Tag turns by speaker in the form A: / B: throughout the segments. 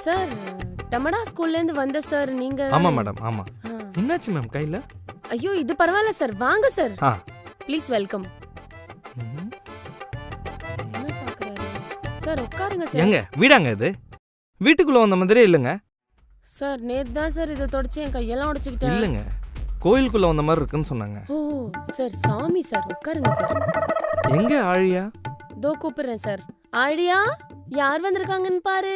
A: Sir டமடா ஸ்கூல்ல இருந்து வந்த சார் நீங்க.
B: ஆமா மேடம் ஆமா. என்னாச்சு மேம் கையில?
A: ஐயோ இது பரவாயில்ல சார், வாங்க சார். Please welcome. என்ன பாக்குறாரு சார்? உட்காருங்க சார்.
B: எங்க வீடாங்க இது? வீட்டுக்குள்ள வந்த மாதிரியே இல்லங்க
A: சார். நேத்து தான் சார் இதை தொடச்சு என் கையெல்லாம் உடைச்சுக்கிட்டேன்.
B: இல்லங்க கோயிலுக்குள்ள வந்த மாதிரி இருக்குன்னு சொன்னாங்க.
A: ஓ சார் சாமி சார், உட்காருங்க சார்.
B: எங்க ஆழியா?
A: தோ கூப்பிடுறேன் சார். ஆழியா யார் வந்திருக்காங்கன்னு பாரு.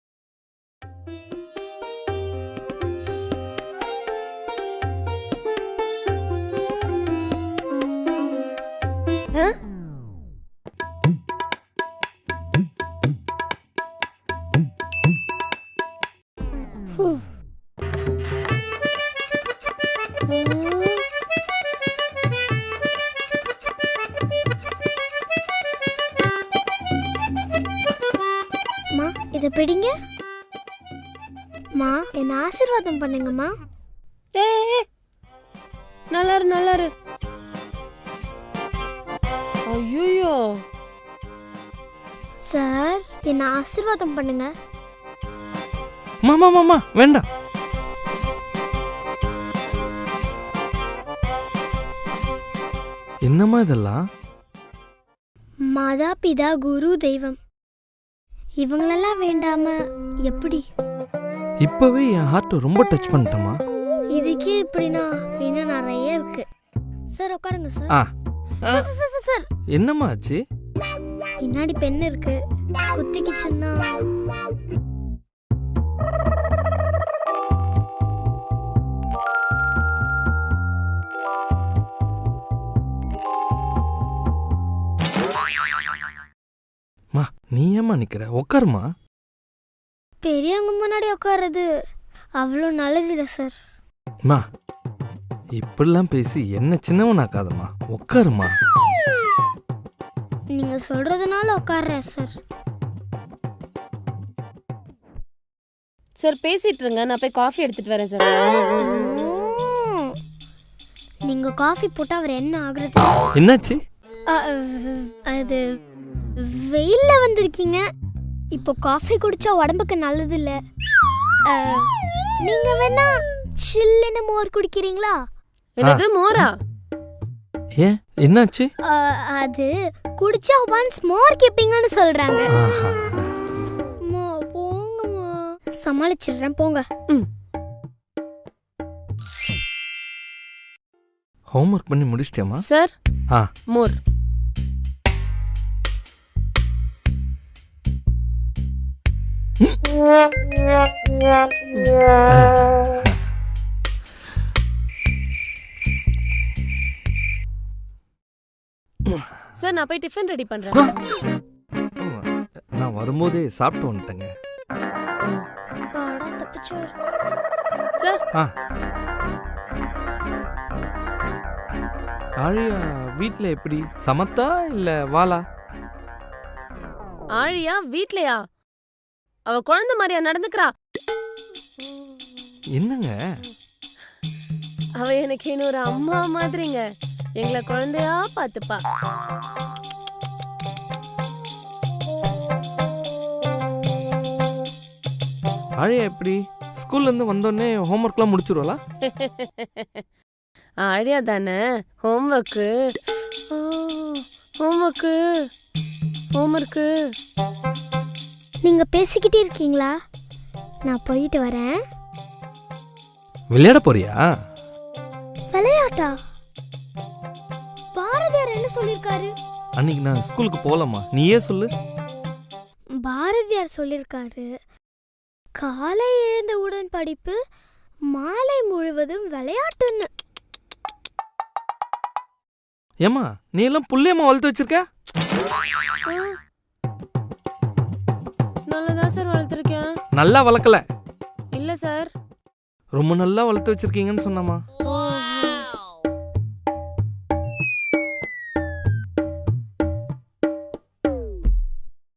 C: இத பிடிங்க. மா என்ன ஆசீர்வாதம் பண்ணுங்கம்மா.
A: நல்லாரு நல்லாரு. ஐயோ
C: சார் என்ன ஆசீர்வாதம் பண்ணுங்க.
B: மாமா மாமா வேண்டாம். என்னம்மா இதெல்லாம்?
C: மாதா பிதா குரு தெய்வம் இவங்களெல்லாம் வேண்டாம எப்படி?
B: இப்பவே என் ஹார்ட் ரொம்ப டச் பண்ணிட்டமா.
C: இதுக்கே இப்படினா இன்னும் நிறைய இருக்கு. சார் உட்காருங்க சார். சார்
B: என்னம்மா ஆச்சு?
C: பின்னாடி பென் இருக்கு, குத்திக்கிச்சுன்னா.
B: மா நீ ஏம்மா நிக்கிற? உட்காருமா.
C: பெரியவங்க முன்னாடி உட்காருறது அவ்வளோ நல்லதில்லை சார்.
B: மா இப்படிலாம் பேசி என்ன சின்னவனாக்காதம்மா, உட்காருமா.
C: நீங்க சொல்றதுனால உட்கார்றேன் சார்.
A: சார் பேசிட்டு இருங்க, நான் போய் காஃபி எடுத்துட்டு வரேன் சார்.
C: நீங்க காஃபி போட்டா அவர் என்ன ஆகுறது?
B: என்னாச்சு?
C: அது வெயில்ல வந்திருக்கீங்க, இப்போ காஃபி குடிச்சா உடம்புக்கு நல்லது இல்ல. நீங்க வேணா சில்லுன்னு மோர் குடிக்கிறீங்களா?
A: என்னது மோரா?
B: ஏன் என்னாச்சு?
C: அது குடிச்சா ஒன்ஸ் மோர் கேப்பீங்கன்னு சொல்றாங்க. போங்கம்மா, சமாளிச்சிடுறேன் போங்க.
B: ஹோம்வொர்க் பண்ணி முடிச்சிட்டியாமா?
A: Sir more. சார் நான் போய் டிஃபன் ரெடி பண்றேன்.
B: நான் வரும்போதே சாப்பிட்டு வந்துட்டேங்க.
A: சார்
B: ஆழியா வீட்ல எப்படி? சமத்தா இல்ல வாளா?
A: ஆழியா வீட்லயா? அவ குழந்தை மாதிரியா நடந்துக்கிறா?
B: என்னங்க
A: அவ எனக்கு இன்னொரு அம்மா மாதிரிங்க. எங்களை குழந்தையா பாத்துப்பா.
B: ஆழியா எப்படி? ஸ்கூல்ல இருந்து வந்தோடனே ஹோம்வொர்க்லாம் முடிச்சிருவாளா?
A: ஆழியா தானே ஹோம்வொர்க்கு ஹோம்வொர்க்கு ஹோம்வொர்க்கு.
C: நீங்க பேசிக்கிட்டே இருக்கீங்களா? நான் போயிட்டு வரேன்.
B: விளையாட போறியா?
C: விளையாட்டா? பாரதியார் என்ன சொல்லிருக்காரு?
B: அன்னைக்கு நான் ஸ்கூலுக்கு போகலாமா, நீயே சொல்லு.
C: பாரதியார் சொல்லிருக்காரு, காலை எழுந்தவுடன் படிப்பு, மாலை முழுவதும் விளையாட்டுன்னு.
B: ஏமா நீ எல்லாம் புள்ளையம்மா வளர்த்து வச்சிருக்க?
A: நல்லதான் சார் வளர்த்துருக்கேன்.
B: நல்லா வளர்க்கல.
A: இல்ல சார்.
B: ரொம்ப நல்லா வளர்த்து வச்சிருக்கீங்கன்னு சொன்னமா.